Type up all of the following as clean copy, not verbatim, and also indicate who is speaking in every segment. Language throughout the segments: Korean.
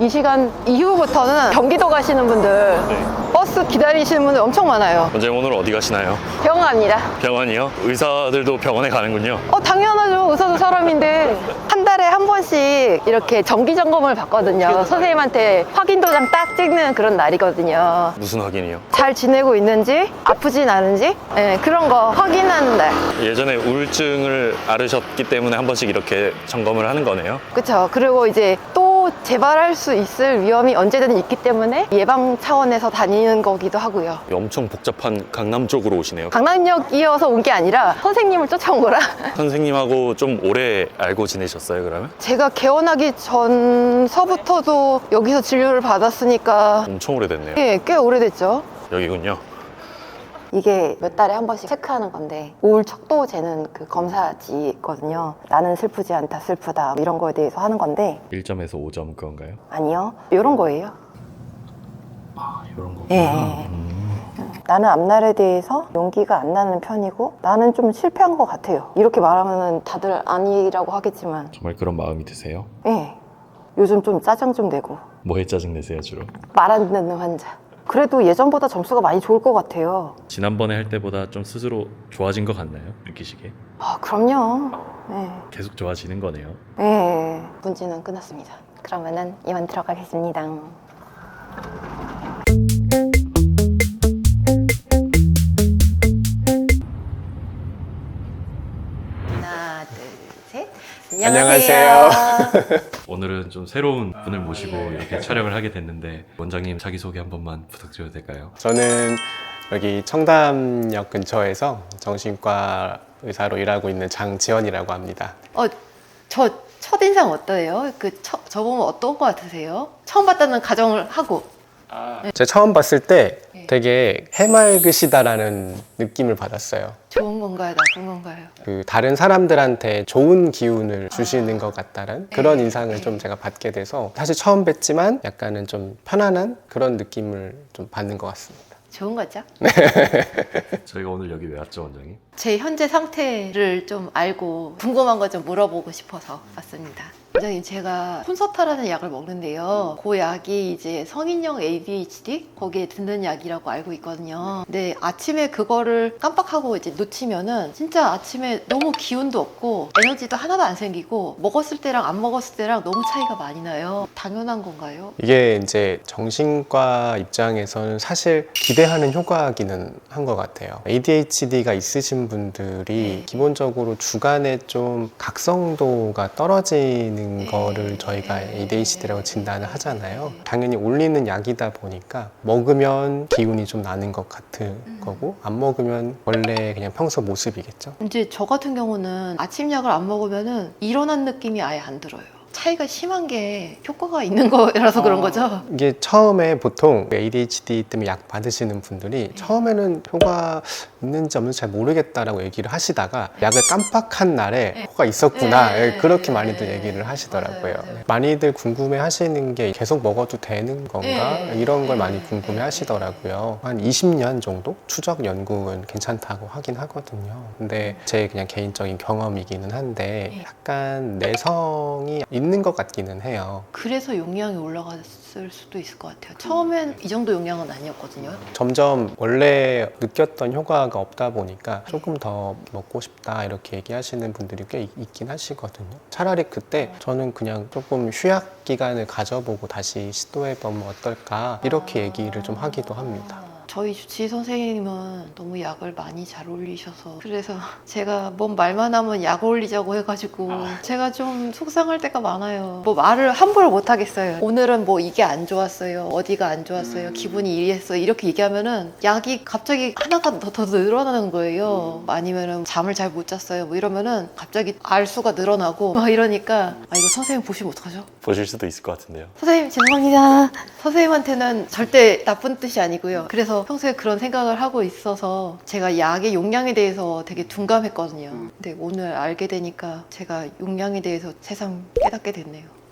Speaker 1: 이 시간 이후부터는 경기도 가시는 분들,
Speaker 2: 네.
Speaker 1: 버스 기다리시는 분들 엄청 많아요.
Speaker 2: 원장님 오늘 어디 가시나요?
Speaker 1: 병원 갑니다.
Speaker 2: 병원이요? 의사들도 병원에 가는군요.
Speaker 1: 당연하죠. 의사도 사람인데. 한 달에 한 번씩 이렇게 정기 점검을 받거든요. 선생님한테 확인 도장 딱 찍는 그런 날이거든요.
Speaker 2: 무슨 확인이요?
Speaker 1: 잘 지내고 있는지, 아프진 않은지, 네, 그런 거 확인하는 날.
Speaker 2: 예전에 우울증을 앓으셨기 때문에 한 번씩 이렇게 점검을 하는 거네요.
Speaker 1: 그쵸. 그리고 이제 또 재발할 수 있을 위험이 언제든 있기 때문에 예방 차원에서 다니는 거기도 하고요.
Speaker 2: 엄청 복잡한 강남 쪽으로 오시네요.
Speaker 1: 강남역이어서 온 게 아니라 선생님을 쫓아온 거라.
Speaker 2: 선생님하고 좀 오래 알고 지내셨어요, 그러면?
Speaker 1: 제가 개원하기 전서부터도 여기서 진료를 받았으니까
Speaker 2: 엄청 오래됐네요.
Speaker 1: 예, 꽤 오래됐죠.
Speaker 2: 여기군요.
Speaker 1: 이게 몇 달에 한 번씩 체크하는 건데 우울 척도 재는 그 검사지 있거든요. 나는 슬프지 않다, 슬프다 이런 거에 대해서 하는 건데
Speaker 2: 1점에서 5점 그건가요?
Speaker 1: 아니요, 이런 거예요.
Speaker 2: 이런 거.
Speaker 1: 예. 나는 앞날에 대해서 용기가 안 나는 편이고 나는 좀 실패한 것 같아요. 이렇게 말하면 다들 아니라고 하겠지만
Speaker 2: 정말 그런 마음이 드세요?
Speaker 1: 예, 요즘 좀 짜증 좀 내고
Speaker 2: 뭐에 짜증 내세요, 주로?
Speaker 1: 말 안 듣는 환자. 그래도 예전보다 점수가 많이 좋을 것 같아요.
Speaker 2: 지난번에 할 때보다 좀 스스로 좋아진 것 같나요? 느끼시기에?
Speaker 1: 그럼요. 예.
Speaker 2: 계속 좋아지는 거네요.
Speaker 1: 예, 문제는 끝났습니다. 그러면은 이만 들어가겠습니다. 하나, 둘, 셋.
Speaker 3: 안녕하세요.
Speaker 2: 오늘은 좀 새로운 분을 모시고 이렇게 촬영을 하게 됐는데 원장님 자기소개 한 번만 부탁드려도 될까요?
Speaker 3: 저는 여기 청담역 근처에서 정신과 의사로 일하고 있는 장지원이라고 합니다.
Speaker 1: 저 첫인상 어떠해요? 저보면 어떤 거 같으세요? 처음 봤다는 가정을 하고.
Speaker 3: 제가 처음 봤을 때
Speaker 1: 네.
Speaker 3: 되게 해맑으시다라는 느낌을 받았어요.
Speaker 1: 좋은 건가요? 나쁜 건가요?
Speaker 3: 그 다른 사람들한테 좋은 기운을 주시는 것 같다는 그런 인상을 좀 제가 받게 돼서 사실 처음 뵀지만 약간은 좀 편안한 그런 느낌을 좀 받는 것 같습니다.
Speaker 1: 좋은 거죠?
Speaker 2: 저희가 오늘 여기 왜 왔죠, 원장님?
Speaker 1: 제 현재 상태를 좀 알고 궁금한 거 좀 물어보고 싶어서 왔습니다. 원장님, 제가 콘서타라는 약을 먹는데요. 그 약이 이제 성인용 ADHD 거기에 듣는 약이라고 알고 있거든요. 근데 아침에 그거를 깜빡하고 이제 놓치면은 진짜 아침에 너무 기운도 없고 에너지도 하나도 안 생기고 먹었을 때랑 안 먹었을 때랑 너무 차이가 많이 나요. 당연한 건가요?
Speaker 3: 이게 이제 정신과 입장에서는 사실 기대하는 효과기는 한 것 같아요. ADHD가 있으신 분들이 기본적으로 주간에 좀 각성도가 떨어지는 거를 저희가 ADHD라고 진단을 하잖아요. 당연히 올리는 약이다 보니까 먹으면 기운이 좀 나는 것 같은 거고 안 먹으면 원래 그냥 평소 모습이겠죠.
Speaker 1: 이제 저 같은 경우는 아침 약을 안 먹으면은 일어난 느낌이 아예 안 들어요. 차이가 심한 게 효과가 있는 거라서 그런 거죠?
Speaker 3: 이게 처음에 보통 ADHD 때문에 약 받으시는 분들이 처음에는 효과 있는지 없는지 잘 모르겠다라고 얘기를 하시다가 약을 깜빡한 날에 효과가 있었구나 그렇게 많이들 얘기를 하시더라고요.
Speaker 1: 맞아요.
Speaker 3: 많이들 궁금해 하시는 게 계속 먹어도 되는 건가 이런 걸 많이 궁금해 하시더라고요. 한 20년 정도 추적 연구는 괜찮다고 하긴 하거든요. 근데 제 그냥 개인적인 경험이기는 한데 약간 내성이 있는 것 같기는 해요.
Speaker 1: 그래서 용량이 올라갔을 수도 있을 것 같아요. 처음엔 이 정도 용량은 아니었거든요.
Speaker 3: 점점 원래 느꼈던 효과가 없다 보니까 조금 더 먹고 싶다 이렇게 얘기하시는 분들이 꽤 있긴 하시거든요. 차라리 그때 저는 그냥 조금 휴약 기간을 가져보고 다시 시도해보면 어떨까 이렇게 얘기를 좀 하기도 합니다.
Speaker 1: 저희 주치의 선생님은 너무 약을 많이 잘 올리셔서 그래서 제가 뭔 말만 하면 약 올리자고 해가지고 제가 좀 속상할 때가 많아요. 뭐 말을 함부로 못 하겠어요. 오늘은 뭐 이게 안 좋았어요, 어디가 안 좋았어요, 기분이 이랬어요 이렇게 얘기하면은 약이 갑자기 하나가 더 늘어나는 거예요. 아니면은 잠을 잘 못 잤어요 뭐 이러면은 갑자기 알수가 늘어나고 막 이러니까 이거 선생님 보시면 어떡하죠?
Speaker 2: 보실 수도 있을 것 같은데요.
Speaker 1: 선생님 죄송합니다. 선생님한테는 절대 나쁜 뜻이 아니고요. 그래서 평소에 그런 생각을 하고 있어서 제가 약의 용량에 대해서 되게 둔감했거든요. 근데 오늘 알게 되니까 제가 용량에 대해서 새삼 깨닫게 됐네요.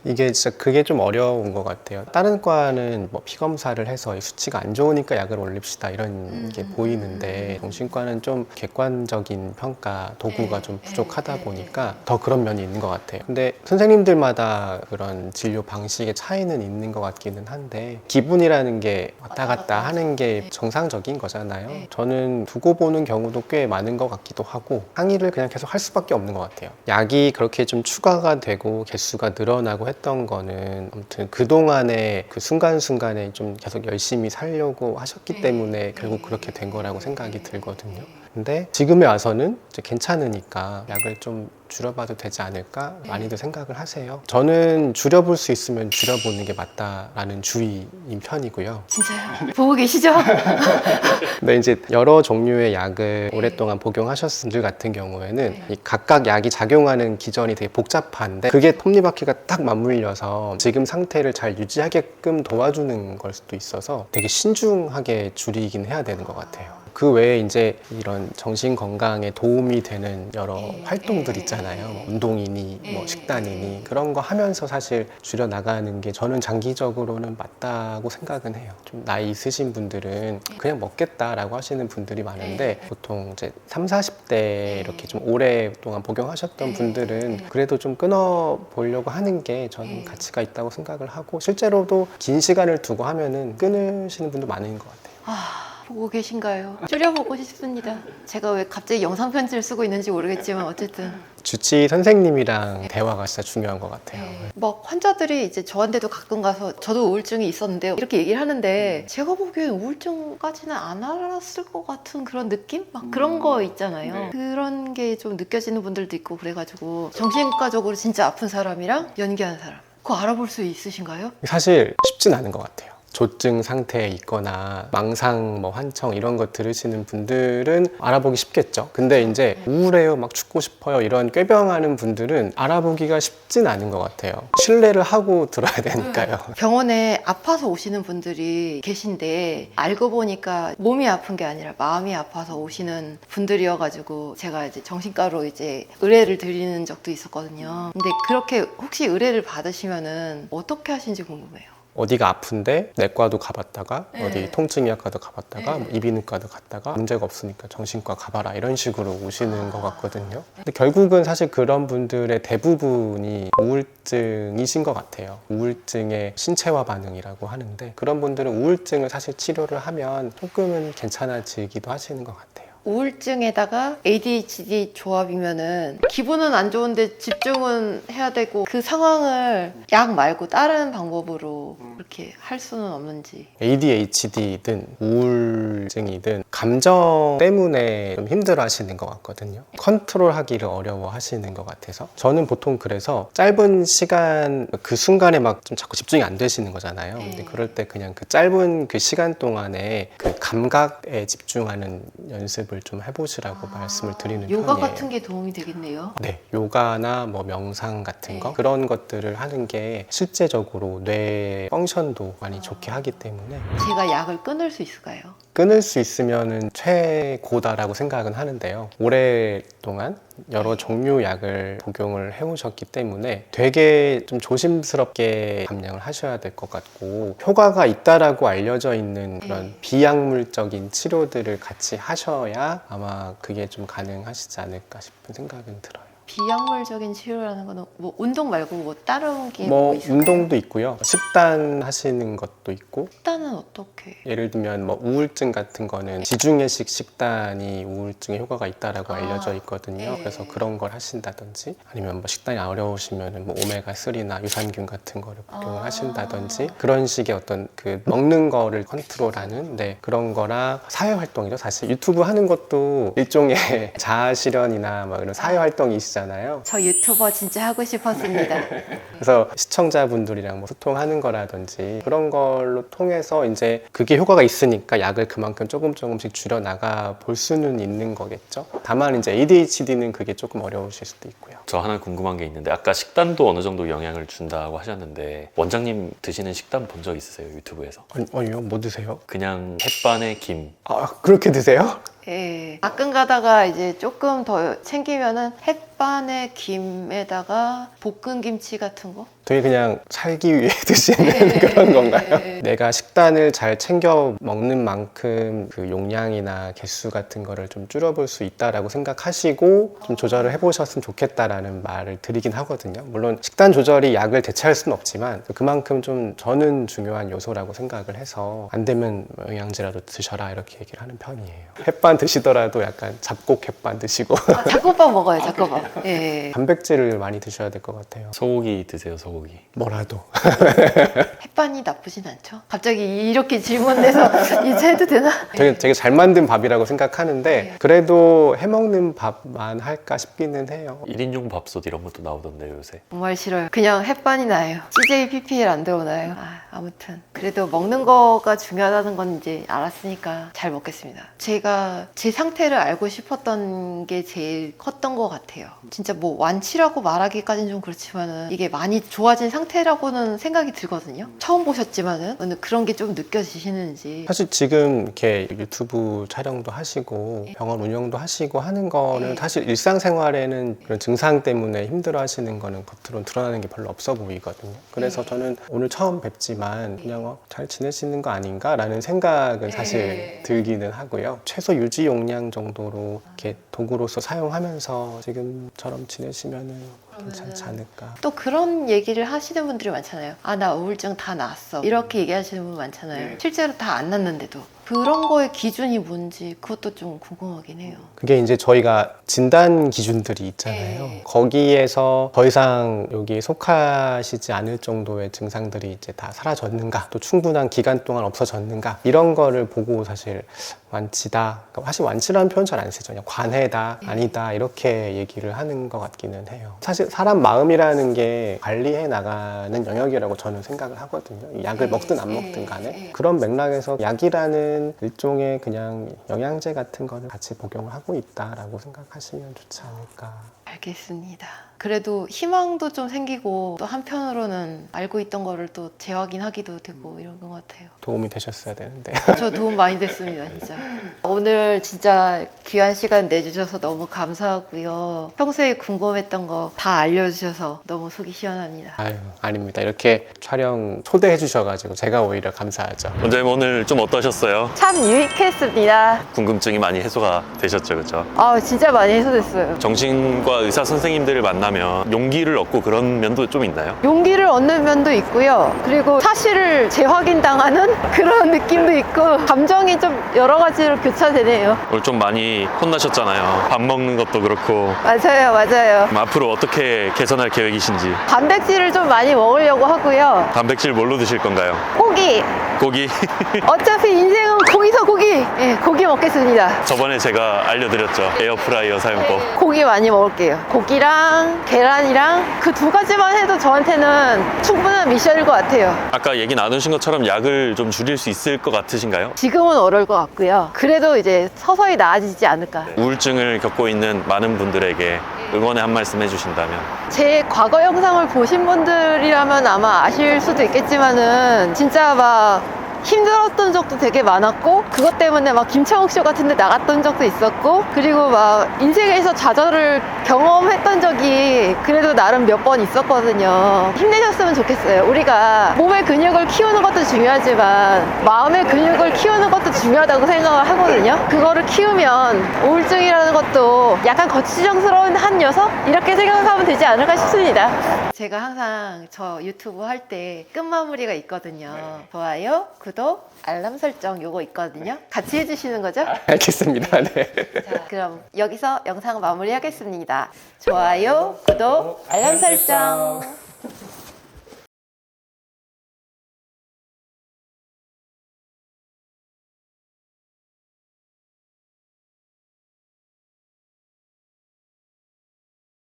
Speaker 3: 이게 진짜 그게 좀 어려운 것 같아요. 다른 과는 뭐 피검사를 해서 이 수치가 안 좋으니까 약을 올립시다 이런 게 보이는데 정신과는 좀 객관적인 평가 도구가 좀 부족하다 보니까 더 그런 면이 있는 것 같아요. 근데 선생님들마다 그런 진료 방식의 차이는 있는 것 같기는 한데 기분이라는 게 왔다 갔다 하는 게 정상적인 거잖아요. 저는 두고 보는 경우도 꽤 많은 것 같기도 하고 항의를 그냥 계속 할 수밖에 없는 것 같아요. 약이 그렇게 좀 추가가 되고 개수가 늘어나고 했던 거는 아무튼 그동안에 그 순간순간에 좀 계속 열심히 살려고 하셨기 때문에 결국 그렇게 된 거라고 생각이 들거든요. 근데 지금에 와서는 이제 괜찮으니까 약을 좀 줄여봐도 되지 않을까 많이들 생각을 하세요. 저는 줄여볼 수 있으면 줄여보는 게 맞다라는 주의인 편이고요.
Speaker 1: 진짜요? 보고 계시죠?
Speaker 3: 근데 이제 여러 종류의 약을 오랫동안 복용하셨을 분들 같은 경우에는 이 각각 약이 작용하는 기전이 되게 복잡한데 그게 톱니바퀴가 딱 맞물려서 지금 상태를 잘 유지하게끔 도와주는 걸 수도 있어서 되게 신중하게 줄이긴 해야 되는 것 같아요. 그 외에 이제 이런 정신 건강에 도움이 되는 여러 활동들 있잖아요. 뭐 운동이니 뭐 식단이니 그런 거 하면서 사실 줄여 나가는 게 저는 장기적으로는 맞다고 생각은 해요. 좀 나이 있으신 분들은 그냥 먹겠다라고 하시는 분들이 많은데 보통 이제 3, 40대 이렇게 좀 오랫동안 복용하셨던 분들은 그래도 좀 끊어 보려고 하는 게 저는 가치가 있다고 생각을 하고 실제로도 긴 시간을 두고 하면은 끊으시는 분도 많은 것 같아요.
Speaker 1: 보고 계신가요? 줄여보고 싶습니다. 제가 왜 갑자기 영상 편지를 쓰고 있는지 모르겠지만 어쨌든
Speaker 3: 주치 선생님이랑 대화가 진짜 중요한 것 같아요.
Speaker 1: 막 환자들이 이제 저한테도 가끔 가서 저도 우울증이 있었는데 이렇게 얘기를 하는데 제가 보기엔 우울증까지는 안 알았을 것 같은 그런 느낌? 막 그런 거 있잖아요. 그런 게 좀 느껴지는 분들도 있고 그래가지고 정신과적으로 진짜 아픈 사람이랑 연기한 사람 그거 알아볼 수 있으신가요?
Speaker 3: 사실 쉽진 않은 것 같아요. 조증 상태에 있거나 망상, 뭐 환청 이런 거 들으시는 분들은 알아보기 쉽겠죠. 근데 이제 우울해요, 막 죽고 싶어요 이런 꾀병하는 분들은 알아보기가 쉽진 않은 것 같아요. 신뢰를 하고 들어야 되니까요.
Speaker 1: 병원에 아파서 오시는 분들이 계신데 알고 보니까 몸이 아픈 게 아니라 마음이 아파서 오시는 분들이어가지고 제가 이제 정신과로 이제 의뢰를 드리는 적도 있었거든요. 근데 그렇게 혹시 의뢰를 받으시면은 어떻게 하시는지 궁금해요.
Speaker 3: 어디가 아픈데 내과도 가봤다가 어디 통증의학과도 가봤다가 뭐 이비인후과도 갔다가 문제가 없으니까 정신과 가봐라 이런 식으로 오시는 것 같거든요. 근데 결국은 사실 그런 분들의 대부분이 우울증이신 것 같아요. 우울증의 신체화 반응이라고 하는데 그런 분들은 우울증을 사실 치료를 하면 조금은 괜찮아지기도 하시는 것 같아요.
Speaker 1: 우울증에다가 ADHD 조합이면은 기분은 안 좋은데 집중은 해야 되고 그 상황을 약 말고 다른 방법으로 그렇게 할 수는 없는지.
Speaker 3: ADHD든 우울증이든 감정 때문에 좀 힘들어 하시는 것 같거든요. 컨트롤하기를 어려워 하시는 것 같아서 저는 보통 그래서 짧은 시간 그 순간에 막 좀 자꾸 집중이 안 되시는 거잖아요. 근데 그럴 때 그냥 그 짧은 그 시간 동안에 그 감각에 집중하는 연습을 좀 해보시라고 말씀을 드리는
Speaker 1: 요가
Speaker 3: 편이에요.
Speaker 1: 같은 게 도움이 되겠네요.
Speaker 3: 네, 요가나 뭐 명상 같은 거 그런 것들을 하는 게 실제적으로 뇌 펑션도 많이 좋게 하기 때문에
Speaker 1: 제가 약을 끊을 수 있을까요?
Speaker 3: 끊을 수 있으면은 최고다라고 생각은 하는데요. 오랫동안 여러 종류 약을 복용을 해오셨기 때문에 되게 좀 조심스럽게 감량을 하셔야 될 것 같고 효과가 있다라고 알려져 있는 그런 비약물적인 치료들을 같이 하셔야 아마 그게 좀 가능하시지 않을까 싶은 생각은 들어요.
Speaker 1: 비약물적인 치료라는 거는 뭐 운동 말고 뭐 다른 게
Speaker 3: 뭐
Speaker 1: 있을까요?
Speaker 3: 운동도 있고요. 식단 하시는 것도 있고
Speaker 1: 식단은 어떻게?
Speaker 3: 예를 들면 뭐 우울증 같은 거는 지중해식 식단이 우울증에 효과가 있다라고 알려져 있거든요. 그래서 그런 걸 하신다든지 아니면 뭐 식단이 어려우시면은 뭐 오메가3나 유산균 같은 거를 복용을 하신다든지 그런 식의 어떤 그 먹는 거를 컨트롤하는 그런 거랑 사회 활동이죠. 사실 유튜브 하는 것도 일종의 자아 실현이나 뭐 이런 사회 활동이시잖아요.
Speaker 1: 저 유튜버 진짜 하고 싶었습니다.
Speaker 3: 그래서 시청자분들이랑 뭐 소통하는 거라든지 그런 걸로 통해서 이제 그게 효과가 있으니까 약을 그만큼 조금씩 줄여 나가 볼 수는 있는 거겠죠. 다만 이제 ADHD는 그게 조금 어려우실 수도 있고요.
Speaker 2: 저 하나 궁금한 게 있는데 아까 식단도 어느 정도 영향을 준다고 하셨는데 원장님 드시는 식단 본 적 있으세요? 유튜브에서?
Speaker 3: 아니요, 뭐 드세요?
Speaker 2: 그냥 햇반에 김.
Speaker 3: 아, 그렇게 드세요?
Speaker 1: 예. 가끔 가다가 이제 조금 더 챙기면은 햇반에 김에다가 볶은 김치 같은 거?
Speaker 3: 되게 그냥 살기 위해 드시는 그런 건가요? 내가 식단을 잘 챙겨 먹는 만큼 그 용량이나 개수 같은 거를 좀 줄여볼 수 있다라고 생각하시고 좀 조절을 해보셨으면 좋겠다라는 말을 드리긴 하거든요. 물론 식단 조절이 약을 대체할 수는 없지만 그만큼 좀 저는 중요한 요소라고 생각을 해서 안 되면 영양제라도 드셔라 이렇게 얘기를 하는 편이에요. 햇반 드시더라도 약간 잡곡 햇반 드시고
Speaker 1: 잡곡밥 먹어요, 잡곡밥. 예.
Speaker 3: 단백질을 많이 드셔야 될 것 같아요.
Speaker 2: 소고기 드세요, 소고기.
Speaker 3: 뭐라도.
Speaker 1: 햇반이 나쁘진 않죠? 갑자기 이렇게 질문해서 이제 해도 되나?
Speaker 3: 되게 잘 만든 밥이라고 생각하는데 그래도 해먹는 밥만 할까 싶기는 해요.
Speaker 2: 1인용 밥솥 이런 것도 나오던데요, 요새.
Speaker 1: 정말 싫어요. 그냥 햇반이 나요. CJ PPL 안 들어오나요? 아무튼 그래도 먹는 거가 중요하다는 건 이제 알았으니까 잘 먹겠습니다. 제가 제 상태를 알고 싶었던 게 제일 컸던 것 같아요. 진짜 뭐 완치라고 말하기까지는 좀 그렇지만은 이게 많이 좋아진 상태라고는 생각이 들거든요. 처음 보셨지만은 근데 그런 게 좀 느껴지시는지.
Speaker 3: 사실 지금 이렇게 유튜브 촬영도 하시고 병원 운영도 하시고 하는 거는 사실 일상생활에는 그런 증상 때문에 힘들어 하시는 거는 겉으로는 드러나는 게 별로 없어 보이거든요. 그래서 저는 오늘 처음 뵙지만 그냥 잘 지내시는 거 아닌가 라는 생각은 사실 들기는 하고요. 최소 유지 용량 정도로 이렇게 도구로서 사용하면서 지금처럼 지내시면은 괜찮지 않을까.
Speaker 1: 또 그런 얘기를 하시는 분들이 많잖아요. 나 우울증 다 나았어. 이렇게 얘기하시는 분 많잖아요. 실제로 다 안 났는데도. 그런 거의 기준이 뭔지 그것도 좀 궁금하긴 해요.
Speaker 3: 그게 이제 저희가 진단 기준들이 있잖아요. 거기에서 더 이상 여기에 속하시지 않을 정도의 증상들이 이제 다 사라졌는가, 또 충분한 기간 동안 없어졌는가, 이런 거를 보고 사실 완치다. 그러니까 사실 완치라는 표현 잘 안 쓰죠. 그냥 관해다, 아니다 이렇게 얘기를 하는 것 같기는 해요. 사실 사람 마음이라는 게 관리해 나가는 영역이라고 저는 생각을 하거든요. 약을 먹든 안 먹든 간에 그런 맥락에서 약이라는 일종의 그냥 영양제 같은 거를 같이 복용을 하고 있다라고 생각하시면 좋지 않을까.
Speaker 1: 알겠습니다. 그래도 희망도 좀 생기고 또 한편으로는 알고 있던 거를 또 재확인하기도 되고 이런 것 같아요.
Speaker 3: 도움이 되셨어야 되는데.
Speaker 1: 저 도움 많이 됐습니다, 진짜. 오늘 진짜 귀한 시간 내주셔서 너무 감사하고요. 평소에 궁금했던 거 다 알려주셔서 너무 속이 시원합니다.
Speaker 3: 아유, 아닙니다. 이렇게 촬영 초대해 주셔가지고 제가 오히려 감사하죠.
Speaker 2: 원장님 오늘 좀 어떠셨어요?
Speaker 1: 참 유익했습니다.
Speaker 2: 궁금증이 많이 해소가 되셨죠, 그렇죠?
Speaker 1: 진짜 많이 해소됐어요.
Speaker 2: 정신과 의사 선생님들을 만나면 용기를 얻고 그런 면도 좀 있나요?
Speaker 1: 용기를 얻는 면도 있고요. 그리고 사실을 재확인당하는 그런 느낌도 있고 감정이 좀 여러 가지로 교차되네요.
Speaker 2: 오늘 좀 많이 혼나셨잖아요. 밥 먹는 것도 그렇고.
Speaker 1: 맞아요.
Speaker 2: 그럼 앞으로 어떻게 개선할 계획이신지.
Speaker 1: 단백질을 좀 많이 먹으려고 하고요.
Speaker 2: 단백질 뭘로 드실 건가요?
Speaker 1: 고기.
Speaker 2: 고기.
Speaker 1: 어차피 인생은 고기서 고기. 고기 먹겠습니다.
Speaker 2: 저번에 제가 알려드렸죠. 에어프라이어 사용법.
Speaker 1: 고기 많이 먹을게요. 고기랑 계란이랑 그 두 가지만 해도 저한테는 충분한 미션일 것 같아요.
Speaker 2: 아까 얘기 나누신 것처럼 약을 좀 줄일 수 있을 것 같으신가요?
Speaker 1: 지금은 어려울 것 같고요. 그래도 이제 서서히 나아지지 않을까.
Speaker 2: 우울증을 겪고 있는 많은 분들에게 응원의 한 말씀 해주신다면.
Speaker 1: 제 과거 영상을 보신 분들이라면 아마 아실 수도 있겠지만은 진짜 막 힘들었던 적도 되게 많았고 그것 때문에 막 김창욱 쇼 같은 데 나갔던 적도 있었고 그리고 막 인생에서 좌절을 경험했던 적이 그래도 나름 몇 번 있었거든요. 힘내셨으면 좋겠어요. 우리가 몸의 근육을 키우는 것도 중요하지만 마음의 근육을 키우는 것도 중요하다고 생각을 하거든요. 그거를 키우면 우울증이라는 것도 약간 거치장스러운 한 녀석? 이렇게 생각하면 되지 않을까 싶습니다. 제가 항상 저 유튜브 할 때 끝마무리가 있거든요. 좋아요, 구독, 알람 설정 요거 있거든요. 같이 해주시는 거죠?
Speaker 3: 알겠습니다. 네.
Speaker 1: 자, 그럼 여기서 영상 마무리하겠습니다. 좋아요, 구독, 알람 설정.